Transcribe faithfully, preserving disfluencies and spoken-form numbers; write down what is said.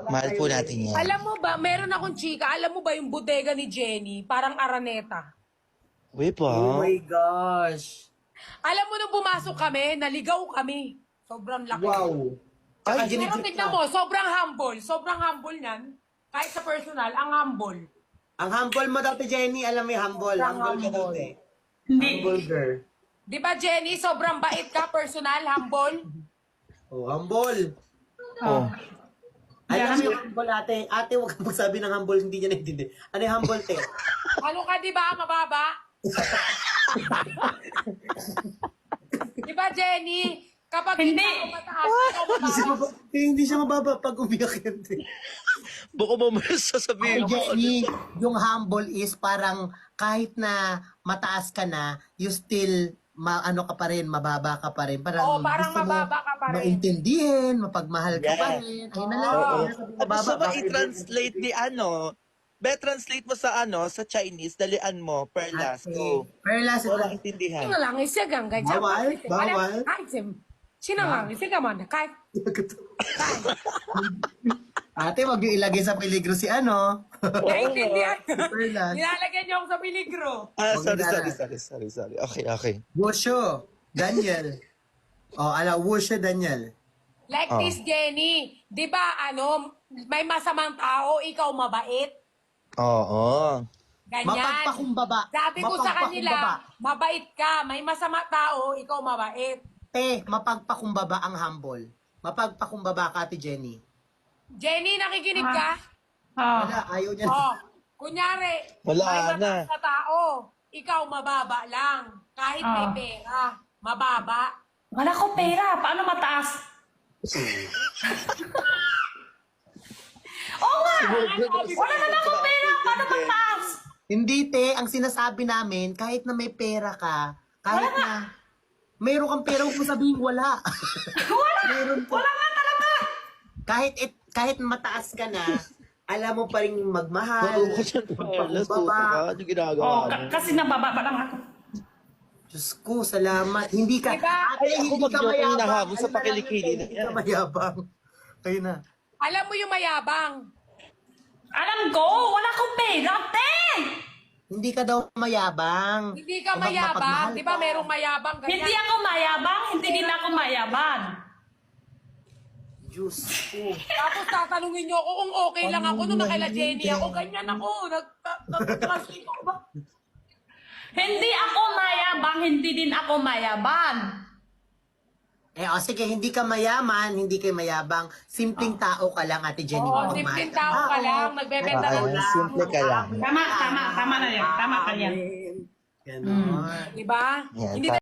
Mahal po natin yan. Alam mo ba, meron akong chika, alam mo ba yung bodega ni Jenny, parang Araneta. Uy po. Oh my gosh. Alam mo nung pumasok kami, naligaw kami. Sobrang laki. Wow. Ay, Tsaka Pero ginigit tignan ka. mo, sobrang humble. Sobrang humble niyan. Kahit sa personal, ang humble. Ang humble mo dati, Jenny. Alam mo yung humble. Sobrang Humble ka humble. dati. Hindi. Humble girl. Di ba, Jenny? Sobrang bait ka, personal, humble. Oh, humble. Oh. Alam mo yung humble, ate. Ate, huwag kang magsabi ng humble, hindi niya naintindi. Ano yung humble, te? Ano ka, di ba? Mababa? Di ba, Jenny? Kapag Hindi. ako mataas, ikaw Hindi siya mababa. mababa, eh, hindi siya mababa pag umiyak yan, te. Baka mamaya sasabihin Ay, mo. Jenny, yung humble is parang kahit na mataas ka na, you still ma ano ka pa rin, mababa ka pa rin. Parang, Oo, parang gusto mo mababa ka pa rin. maintindihan, mapagmahal ka pa Yes. rin. Ayun na lang. Oo. Ayun na sabi, At gusto mo bakit- i-translate ni ano? Be, translate mo sa ano, sa Chinese, dalian mo, perlas. Ate, Go. Perlas, Wala ito. intindihan. Sino lang isigang ganyan? Bawal, bawal. Kahit sim. Sino lang isigang man? Kahit. Ate, wag yung ilagay sa peligro si ano. Naintindihan. Perlas. Nilalagyan niyo ako sa peligro. Ah, Wag sorry, na. sorry, sorry, sorry, sorry. Okay, okay. Wusho, Daniel. oh, ala, Wusho, Daniel. Like Oh. this, Jenny. Di ba, ano, may masamang tao, ikaw mabait? Oo. Ganyan. Mapagpakumbaba. Sabi ko sa Mapagpakumbaba. kanila, mabait ka. May masama tao, ikaw mabait. Te, mapagpakumbaba ang humble. Mapagpakumbaba ka, Ate Jenny. Jenny, nakikinig ka? Oh. Wala, ayaw niya. Oh, kunyari, Wala may na. mataas na tao, ikaw mababa lang. Kahit may Ah. pera, mababa. Wala ko pera. Paano mataas? Oo nga. Wala naman akong pera. Paano mataas? Hindi, te. Ang sinasabi namin, kahit na may pera ka, kahit na mayroon kang pera, huwag mo sabihin wala. Wala. Meron ka. Wala nga talaga. Kahit, it, kahit mataas ka na, alam mo pa rin magmahal. Marunong ka dyan, perlas. Tuto magpakumbaba. ka. Ano ginagawa Oh, mo? ka- kasi nabababa lang ako. Diyos ko, salamat. Hindi ka, Diba? ate, Ay, ako hindi ka mag-joke yung mayabang. nahabol sa Ayun na lang pakilikili yun, na Hindi yan. ka mayabang. Ayun na. Alam mo yung mayabang. Alam ko, wala akong pera, te! Hindi ka daw mayabang. Hindi ka Kapag mayabang. mapagmahal Di ba ka. merong mayabang? Ganyan. Hindi ako mayabang, hindi din ako mayabang. Diyos ko. Tapos tatanungin niyo ako kung okay lang ako nung nakaila Jenny ako. Ganyan ako. Nag-translate ako ba? Hindi ako mayabang, hindi din ako mayabang. Eh, o sige, hindi ka mayaman, hindi ka mayabang. Simpleng tao ka lang, Ate Jenny. Oo, Magmahal simpleng ka. tao ka Oo. lang. Nagbebenta Ah, ng ayun, simple ka lang. Tama, tama, tama na yan. Tama ka yan. Ganon. Di ba? Yan, Hindi